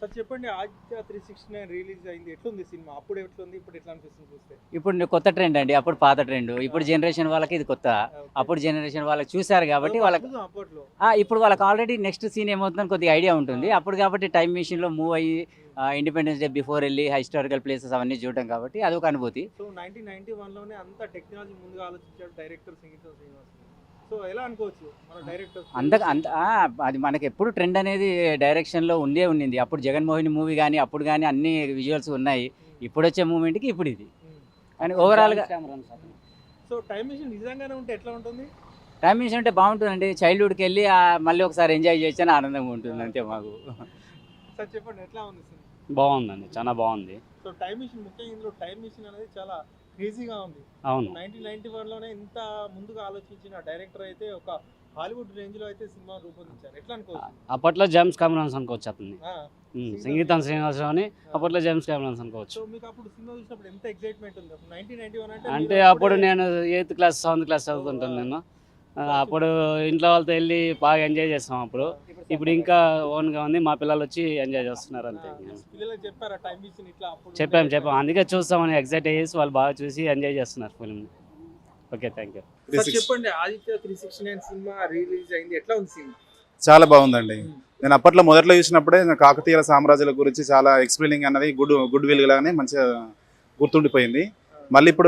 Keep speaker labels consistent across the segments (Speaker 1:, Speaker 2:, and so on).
Speaker 1: Sir చెప్పండి, Aditya 369 release అయింది, ఎట్లుంది సినిమా? అప్పుడు ఎట్లుంది, ఇప్పుడు ఎట్లా అనిపిస్తుంది చూస్తే?
Speaker 2: ఇప్పుడు కొత్త ట్రెండ్ అండి. అప్పుడు పాత ట్రెండ్. ఇప్పుడు జనరేషన్ వాళ్ళకి ఇది కొత్త. అప్పుడు జనరేషన్ వాళ్ళకి చూసారు కాబట్టి వాళ్ళకి
Speaker 1: అద్భుతం అప్పట్లో.
Speaker 2: ఇప్పుడు వాళ్ళకి ఆల్రెడీ నెక్స్ట్ సీన్ ఏమవుతుందని కొద్దిగా ఐడియా ఉంటుంది. అప్పుడు కాబట్టి టైం మెషిన్‌లో మూవ్ అయ్యి ఇండిపెండెన్స్ డే బిఫోర్ ఎళ్లి హిస్టారికల్ ప్లేసెస్ అవన్నీ చూడడం కాబట్టి అదొక అనుభూతి.
Speaker 1: సో 1991 లోనే అంత టెక్నాలజీ ముందుగా ఆలోచించాడు డైరెక్టర్ సింగీతం శ్రీనివాస్. సో ఎలా అనుకోవచ్చు మన డైరెక్టర్?
Speaker 2: అది మనకి ఎప్పుడు ట్రెండ్ అనేది డైరెక్షన్‌లో ఉండింది. అప్పుడు 'జగన్మోహిని' మూవీ గాని, అప్పుడు గాని అన్ని విజువల్స్ ఉన్నాయి. ఇప్పుడొచ్చే మూవ్‌మెంట్‌కి ఇప్పుడు ఇది. కానీ ఓవరాల్‌గా
Speaker 1: సో టైం మెషిన్ నిజంగానే ఉంటే ఎట్లా ఉంటుంది?
Speaker 2: టైం మెషిన్ అంటే బాగుంటుందండి. చైల్డ్‌హుడ్‌కి వెళ్ళి మళ్ళీ ఒకసారి ఎంజాయ్ చేయొచ్చని ఆనందంగా ఉంటుంది అంతే మాకు.
Speaker 1: సార్ చెప్పండి, ఎట్లా ఉంది సినిమా?
Speaker 3: బాగుందండి, చాలా బాగుంది.
Speaker 1: సో టైం మెషిన్, ముఖ్యంగా ఇందులో టైం మెషిన్ అనేది చాలా క్రేజీగా ఉంది.
Speaker 3: అవును,
Speaker 1: 1991 లోనే ఇంత ముందుగా ఆలోచించిన డైరెక్టర్ అయితే ఒక హాలీవుడ్ రేంజ్ లో అయితే సినిమా రూపొందించారు. ఎట్లా అనుకోవచ్చు?
Speaker 3: అప్పట్లో జేమ్స్ కెమెరాన్స్ అనుకోవచ్చు అతన్ని.
Speaker 1: ఆ,
Speaker 3: సంగీతం శ్రీనివాసరావు అని అప్పట్లో జేమ్స్ కెమెరాన్స్ అనుకోవచ్చు.
Speaker 1: సో మీకు అప్పుడు సినిమా చూసినప్పుడు ఎంత ఎక్సైట్మెంట్ ఉంది? 1991
Speaker 3: అంటే
Speaker 1: అంటే
Speaker 3: అప్పుడు నేను 8th క్లాస్ 7th క్లాస్ చదువుతుంటాను నేను. అప్పుడు ఇంట్లో వాళ్ళతో వెళ్ళి బాగా ఎంజాయ్ చేస్తాం అప్పుడు. ఇప్పుడు ఇంకా ఓన్గా ఉంది, మా పిల్లలు వచ్చి ఎంజాయ్ చేస్తున్నారు అంతే.
Speaker 1: పిల్లలకు చెప్పారా టైం మెషిన్ ఇట్లా? అప్పుడు
Speaker 3: చెప్పాం, అందుకే చూస్తామని ఎగ్జైట్ అయ్యేసి వాళ్ళు బాగా చూసి ఎంజాయ్ చేస్తున్నారు ఫిల్మ్ని. Okay, thank you.
Speaker 1: సార్ చెప్పండి, ఆదిత్య 369 సినిమా రిలీజ్ అయింది, ఎట్లా ఉంది సినిమా?
Speaker 4: చాలా బాగుందండి. నేను అప్పట్లో మొదట్లో చూసినప్పుడే కాకతీయ సామ్రాజ్యాల గురించి చాలా ఎక్స్ప్లెయినింగ్ అన్నది గుడ్ విల్ గానే మంచిగా గుర్తుండిపోయింది. మళ్ళీ ఇప్పుడు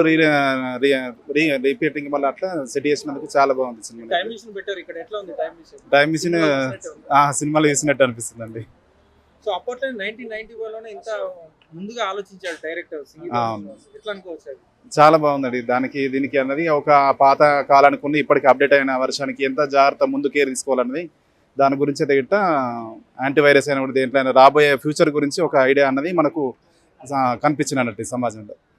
Speaker 4: రిపీటింగ్ మళ్ళీ అట్లా సెట్ చేసినందుకు చాలా బాగుంది సినిమా.
Speaker 1: టైం మెషిన్ బెటర్ ఇక్కడ, ఎట్లా ఉంది టైం మెషిన్?
Speaker 4: టైం మిషన్ సినిమాలో చూసినట్టు అనిపిస్తుందండి.
Speaker 1: సో అప్పట్లో 1991 లోనే ఇంత ముందుగా ఆలోచించాడు డైరెక్టర్ సింగీతం శ్రీనివాస్. ఎట్లా అనుకోవచ్చు అది?
Speaker 4: చాలా బాగుందండి. దీనికి అన్నది ఒక పాత కాలానికి ఉన్న ఇప్పటికి అప్డేట్ అయిన వర్షానికి ఎంత జాగ్రత్త ముందు కేర్ తీసుకోవాలన్నది దాని గురించి అయితే గిట్ట యాంటీవైరస్ అయిన కూడా దేంట్లో రాబోయే ఫ్యూచర్ గురించి ఒక ఐడియా అన్నది మనకు కనిపించినట్టు సమాజంలో.